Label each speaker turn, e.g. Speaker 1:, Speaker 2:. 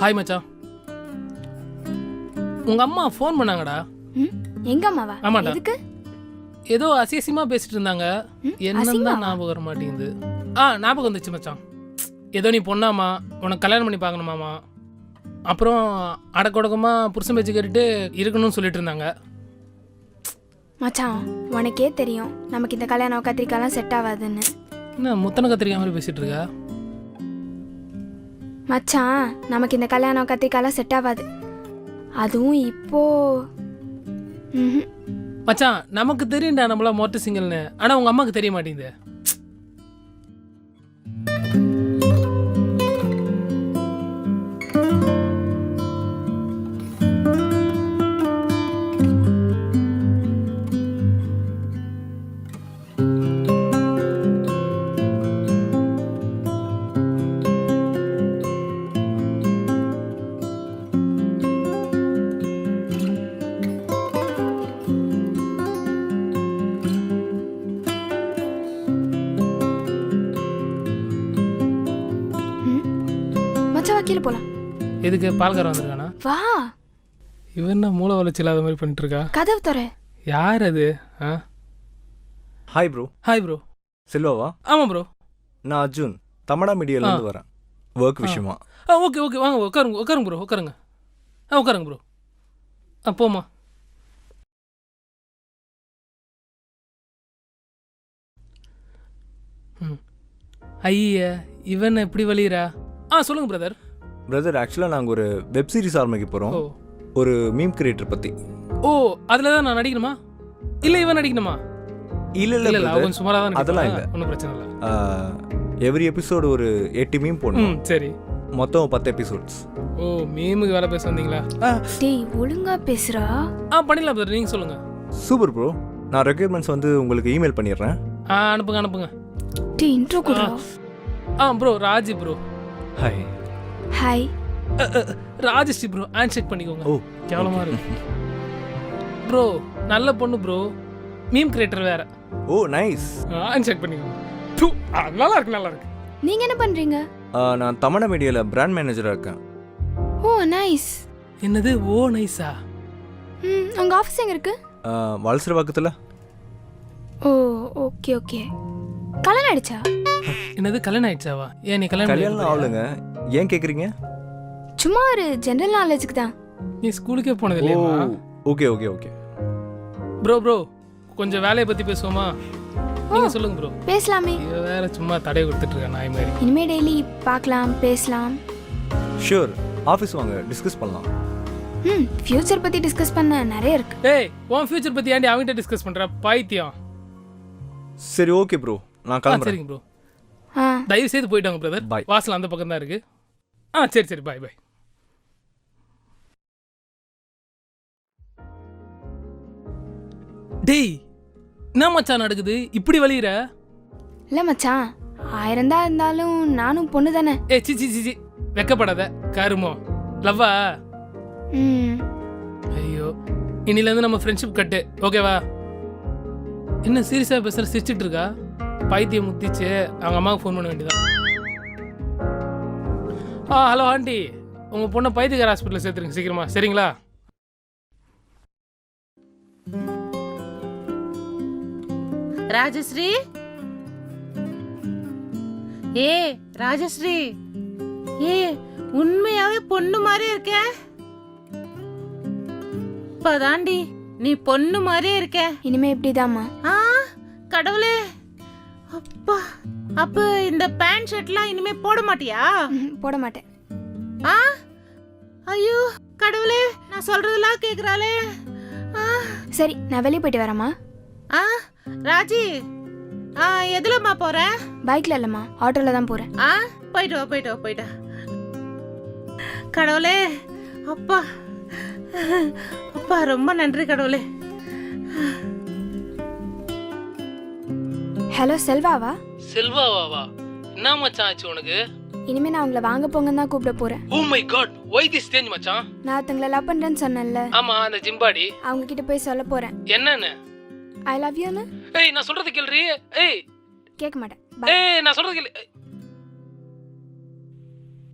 Speaker 1: Hi மச்சான். உங்க அம்மா ஃபோன் பண்ணாங்கடா.
Speaker 2: எங்க அம்மாவா?
Speaker 1: ஆமாடா.
Speaker 2: எதுக்கு?
Speaker 1: ஏதோ அசியசியமா பேசிட்டு இருந்தாங்க. என்னன்னு தான் ஞாபகம் வர மாட்டேங்குது. ஞாபகம் வந்துச்சு மச்சான். ஏதோ நீ பொண்ணாமா, உனக்கு கல்யாணம் பண்ணி பார்க்கணுமாமா, அப்புறம் அடக்கொடக்கமா புருஷன் பேச்சு கேட்டுட்டு இருக்கணும்னு சொல்லிட்டு இருந்தாங்க.
Speaker 2: மச்சான் உனக்கே தெரியும் நமக்கு இந்த கல்யாணம் கத்திரிக்காலாம் செட் ஆகாதுன்னு.
Speaker 1: என்ன முத்தனை கத்திரிக்காய் மாதிரி பேசிட்டு இருக்கா?
Speaker 2: மச்சான் நமக்கு இந்த கல்யாணம் கத்திரிக்காலாம் செட் ஆகாது. அதுவும் இப்போ
Speaker 1: மச்சான் நமக்கு தெரியும்டா நம்மள மொட்டை சிங்கல்னு. ஆனா உங்க அம்மாக்கு தெரிய மாட்டேங்குது.
Speaker 2: கீழே போலாம்.
Speaker 1: எதுக்கு? பால்காரன் வந்திருக்கானா?
Speaker 2: வா.
Speaker 1: இவன் என்ன மூளை வளர்ச்சி இல்லாத மாதிரி பண்ணிட்டு இருக்கா?
Speaker 2: கதவு தர.
Speaker 1: யார் அது?
Speaker 3: Hi bro.
Speaker 1: Hi bro.
Speaker 3: செல்வாவா?
Speaker 1: ஆமா ப்ரோ.
Speaker 3: நான் அர்ஜுன், தமிழா மீடியால இருந்து வரேன், ஒர்க் விஷயமா.
Speaker 1: ஓகே ஓகே, வாங்க உட்காருங்க உட்காருங்க ப்ரோ, உட்காருங்க. உட்காருங்க ப்ரோ. போமா. ஐயா இவன் எப்படி வலிரா? சொல்லுங்க பிரதர்.
Speaker 3: பிரதர் ஆக்சுவலாக நாங்கள் ஒரு வெப் சீரிஸ் ஆரம்பிக்க போகிறோம், ஒரு மீம் கிரியேட்டர் பற்றி.
Speaker 1: ஓ அதில் தான் நான் நடிக்கணுமா? இல்லை இவன் நடிக்கணுமா?
Speaker 3: இல்லை இல்லை இல்லை,
Speaker 1: கொஞ்சம் சுமாராக தான்.
Speaker 3: அதெல்லாம் இல்லை,
Speaker 1: ஒன்றும் பிரச்சனை இல்லை.
Speaker 3: எவ்ரி எபிசோடு ஒரு 8 மீம் போடணும்.
Speaker 1: சரி,
Speaker 3: மொத்தம் 10 எபிசோட்ஸ்.
Speaker 1: ஓ மீமுக்கு வேலை பேச வந்தீங்களா?
Speaker 2: டேய் ஒழுங்கா பேசுறா.
Speaker 1: பண்ணிடலாம் பிரதர், நீங்கள் சொல்லுங்கள்.
Speaker 3: Super bro. நான் ரெக்யர்மெண்ட்ஸ் வந்து உங்களுக்கு இமெயில் பண்ணிடுறேன்.
Speaker 1: அனுப்புங்க அனுப்புங்க.
Speaker 2: டேய் இன்ட்ரோ கொடுடா.
Speaker 1: Bro Raji bro.
Speaker 3: Hi.
Speaker 2: Hi.
Speaker 1: Rajashree bro, hand shake பண்ணிக்கோங்க.
Speaker 3: ஓ
Speaker 1: கேவலமா இருக்கு ப்ரோ. நல்ல பொண்ணு ப்ரோ, மீம் கிரியேட்டர் வேற.
Speaker 3: ஓ நைஸ்.
Speaker 1: ஹேண்ட் ஷேக் பண்ணிக்கோங்க. நல்லா இருக்கு நல்லா இருக்கு.
Speaker 2: நீங்க என்ன பண்றீங்க?
Speaker 3: நான் தமிழா மீடியால பிராண்ட் மேனேஜரா இருக்கேன்.
Speaker 2: Oh nice.
Speaker 1: என்னது ஓ நைஸா?
Speaker 2: உங்க ஆபீஸ் எங்க இருக்கு?
Speaker 3: வலசர பக்கத்துல.
Speaker 2: Oh okay okay. கல்யாணம் ஆயிடுச்சா?
Speaker 1: என்னது கல்யாணம் ஆயிடுச்சாவா? ஏன் நீ
Speaker 3: கல்யாணம் ஆகலங்க, ஏன் கேக்குறீங்க?
Speaker 2: சும்மா ஒரு ஜெனரல் நாலேஜுக்கு தான்.
Speaker 1: நீ ஸ்கூலுக்கே போனது இல்லையா?
Speaker 3: Okay okay okay.
Speaker 1: ப்ரோ கொஞ்சம் வேலையை பத்தி பேசுவோமா? நீங்க சொல்லுங்க ப்ரோ.
Speaker 2: பேசலாமே.
Speaker 1: இவ வேற சும்மா தடை கொடுத்துட்டு இருக்கா நாய் மாதிரி.
Speaker 2: இனிமே டெய்லி பார்க்கலாம் பேசலாம்.
Speaker 3: ஷூர், ஆபீஸ் வாங்க டிஸ்கஸ் பண்ணலாம்.
Speaker 2: ஃபியூச்சர் பத்தி டிஸ்கஸ் பண்ண நிறைய இருக்கு.
Speaker 1: ஏய் உன் ஃபியூச்சர் பத்தி ஏன்டி அவங்கிட்ட டிஸ்கஸ் பண்ற பைத்தியம்?
Speaker 3: சரி ஓகே ப்ரோ, நான் கிளம்புறேன்.
Speaker 1: சரிங்க ப்ரோ. தயவு செய்து போயிட்டு வாங்க பிரதர்.
Speaker 3: பாய்.
Speaker 1: வாசல் அந்த பக்கம் தான் இருக்கு. சரி சரி, பாய் பாய். டேய் என்ன மச்சான் நடக்குது? இப்படி வலியுற?
Speaker 2: இல்ல மச்சான், 1000 தான் இருந்தாலும் நானும் பொண்ணு தானே.
Speaker 1: சி சி சி, வெக்கப்படாத கருமோ. லவ்வா? ஐயோ, இன்னில இருந்து நம்ம ஃப்ரெண்ட்ஷிப் கட்டு, ஓகேவா? என்ன சீரியஸா பேசுற? சிரிச்சிட்டு இருக்கா? பைத்தியம் முத்திச்சு. அவங்க அம்மாவுக்கு ஃபோன் பண்ண வேண்டியதான். ஹலோ ஆண்டி, உங்க பொண்ணை பைத்தியக்கார ஹாஸ்பிட்டலில் சேர்த்துருங்க சீக்கிரமா, சரிங்களா?
Speaker 4: ராஜஸ்ரீ, ராஜஸ்ரீ, உண்மையாவே பொண்ணு மாதிரி இருக்க. இப்பதாண்டி நீ பொண்ணு மாதிரியே இருக்க.
Speaker 2: இனிமே இப்படிதாம்மா.
Speaker 4: கடவுளே, அப்பா. அப்ப இந்த பேண்ட் ஷர்ட்லாம் இனிமே போட மாட்டியா?
Speaker 2: போட மாட்டேன்.
Speaker 4: ஐயோ கடவுளே, நான் சொல்றதெல்லாம் கேக்குறாளே.
Speaker 2: சரி நான் வெளியே போயிட்டு வரேம்மா.
Speaker 4: ராஜி, எதுலம்மா போற?
Speaker 2: பைக்ல இல்லம்மா, ஆட்டோல தான் போறேன்.
Speaker 4: போயிட்டு வா போயிட்டு வா போயிட்டா. கடவுளே, அப்பா அப்பா, ரொம்ப நன்றி கடவுளே.
Speaker 2: ஹலோ செல்வாவா?
Speaker 1: செல்வாவா? என்ன மச்சான் ஆச்சு உனக்கு?
Speaker 2: இனிமே நான் உங்களை வாங்க போங்கன்னு தான் கூப்பிட போறேன்.
Speaker 1: Oh my god, why this change மச்சான்?
Speaker 2: நான் ஒருத்தங்கள லவ் பண்றேன்னு சொன்னேன்ல.
Speaker 1: ஆமா, அந்த ஜிம்பாடி.
Speaker 2: அவங்க கிட்ட போய் சொல்ல போறேன்.
Speaker 1: என்னன்னு?
Speaker 2: ஐ லவ் யூ ன்னு.
Speaker 1: நான் சொல்றது கேளுரி.
Speaker 2: கேட்க மாட்டேன்.
Speaker 1: நான் சொல்றது கேளு.